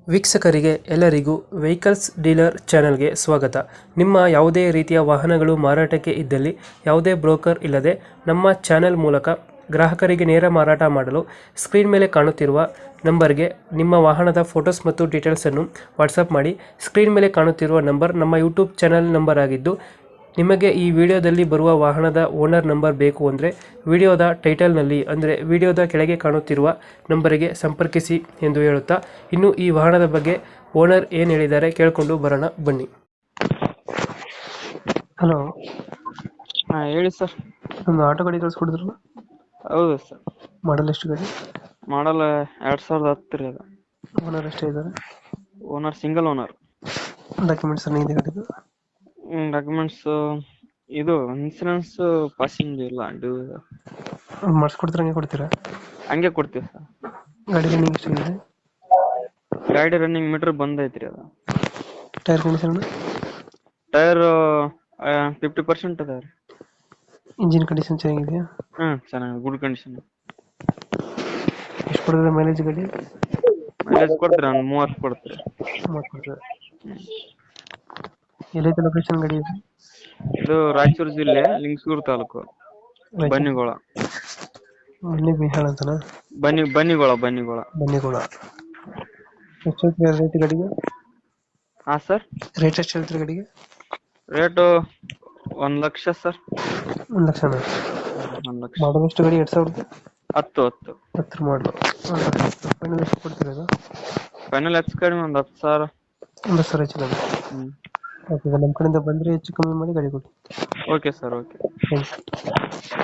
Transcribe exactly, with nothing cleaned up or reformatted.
ವೀಕ್ಷಕರಿಗೆ ಎಲ್ಲರಿಗೂ vehicles dealer ಚಾನೆಲ್ಗೆ ಸ್ವಾಗತ. ನಿಮ್ಮ ಯಾವುದೇ ರೀತಿಯ ವಾಹನಗಳು ಮಾರಾಟಕ್ಕೆ ಇದ್ದಲ್ಲಿ ಯಾವುದೇ ಬ್ರೋಕರ್ ಇಲ್ಲದೆ ನಮ್ಮ ಚಾನೆಲ್ ಮೂಲಕ ಗ್ರಾಹಕರಿಗೆ ನೇರ ಮಾರಾಟ ಮಾಡಲು ಸ್ಕ್ರೀನ್ ಮೇಲೆ ಕಾಣುತ್ತಿರುವ ನಂಬರ್ಗೆ ನಿಮ್ಮ ವಾಹನದ ಫೋಟೋಸ್ ಮತ್ತು ಡೀಟೇಲ್ಸನ್ನು ವಾಟ್ಸಪ್ ಮಾಡಿ. ಸ್ಕ್ರೀನ್ ಮೇಲೆ ಕಾಣುತ್ತಿರುವ ನಂಬರ್ ನಮ್ಮ ಯೂಟ್ಯೂಬ್ ಚಾನೆಲ್ ನಂಬರ್ ಆಗಿದ್ದು, ನಿಮಗೆ ಈ ವಿಡಿಯೋದಲ್ಲಿ ಬರುವ ವಾಹನದ ಓನರ್ ನಂಬರ್ ಬೇಕು ಅಂದರೆ ವಿಡಿಯೋದ ಟೈಟಲ್ನಲ್ಲಿ ಅಂದರೆ ವಿಡಿಯೋದ ಕೆಳಗೆ ಕಾಣುತ್ತಿರುವ ನಂಬರಿಗೆ ಸಂಪರ್ಕಿಸಿ ಎಂದು ಹೇಳುತ್ತಾ, ಇನ್ನು ಈ ವಾಹನದ ಬಗ್ಗೆ ಓನರ್ ಏನು ಹೇಳಿದ್ದಾರೆ ಕೇಳಿಕೊಂಡು ಬರೋಣ ಬನ್ನಿ. ಹಲೋ, ಹಾ ಹೇಳಿ ಸರ್. ಒಂದು ಆಟೋ ಗಾಡಿ ಕಳಿಸ್ಕೊಡಿದ್ರಲ್ಲ, ಹೌದು ಸರ್. ಮಾಡಲ್ ಎಷ್ಟು ಗಾಡಿ? ಮಾಡಲ್ ಎರಡ್ ಸಾವಿರದ ಹತ್ತು ರೀ ಅದು. ಓನರ್ ಎಷ್ಟೇ ಇದ್ದಾರೆ? Owner single owner. ಡಾಕ್ಯುಮೆಂಟ್ಸ್ ಎಲ್ಲ ಇದೆ ಗಾಡಿದು? ಡಾಕ್ಯುಮೆಂಟ್ಸ್ ಇದು ಇನ್ಸೂರೆನ್ಸ್ ಪಾಸಿಂಗ್ ಇಲ್ಲ, ಡ್ಯೂ ಮಾಡಿಸ್ಕೊಡ್ತೀರ, ಹಂಗೆ ಕೊಡ್ತೀರಾ? ಹಂಗೆ ಕೊಡ್ತೀವಿ ಸರ್. ಗಾಡಿ ರನ್ನಿಂಗ್ ಎಷ್ಟಾಗಿದೆ? ಗಾಡಿ ರನ್ನಿಂಗ್ ಮೀಟರ್ ಬಂದೈತ್ರಿ ಅದು. Tyre condition? Tyre fifty percent ಅದ ರೀ. ಇಂಜಿನ್ ಕಂಡೀಷನ್ ಚೆನ್ನಾಗಿದೆಯಾ? ಹ್ಮ್ ಚೆನ್ನಾಗಿ ಗುಡ್ ಕಂಡೀಷನ್. ಎಷ್ಟು ಕೊಡ್ತದೆ ಮೈಲೇಜ್ ಗಾಡಿ? ಮೈಲೇಜ್ ಕೊಡ್ತೀರಿ ಒಂದು ಮೂವತ್ತು ಕೊಡ್ತೀರಿ. ಮೂವತ್ತು ಕೊಡ್ತದೆ. ಎಲ್ಲೈತೆ ಲೊಕೇಶನ್ ಗಾಡಿ ಇದು? ಇದು ರಾಯಚೂರು ಜಿಲ್ಲೆ ಲಿಂಗಸೂರು ತಾಲೂಕು ಬನ್ನಿಗೋಳ. ಬನ್ನಿ ಬಿಹಾಳ ಅಂತನಾ? ಬನ್ನಿ ಬನ್ನಿಗೋಳ ಬನ್ನಿಗೋಳ ಬನ್ನಿಗೋಳ. ಎಷ್ಟು ಹೇಳ್ತೀರಾ ರೇಟ್ ಗಾಡಿಗೆ? ಹಾ ಸರ್. ರೇಟ್ ಎಷ್ಟು ಹೇಳ್ತೀರಾ ಗಾಡಿಗೆ? ರೇಟು ಒಂದ್ ಲಕ್ಷ ಸರ್. ಒಂದು ಲಕ್ಷನ? ಒಂದ್ ಲಕ್ಷ. ಮಾಡಲ್ ಎಷ್ಟು ಗಾಡಿ? ಎರಡು ಸಾವಿರದ ಹತ್ತು ಹತ್ತು ಹತ್ತರ ಮಾಡಲು. ಫೈನಲ್ ಎಷ್ಟು ಕೊಡ್ತೀರಾ ಅದು? ಫೈನಲ್ ಹೆಚ್ಚು ಕಡಿಮೆ ಒಂದು ಹತ್ತು ಸಾವಿರ. ಒಂದು ಸಾವಿರ ಹೆಚ್ಚು ಕಡಿಮೆ. ಹ್ಮ್ ಓಕೆ, ನಮ್ಮ ಕಡೆಯಿಂದ ಬಂದರೆ ಹೆಚ್ಚು ಕಮ್ಮಿ ಮಾಡಿ ಗಾಡಿ ಕೊಡಿ. Okay sir. Okay. Thank you.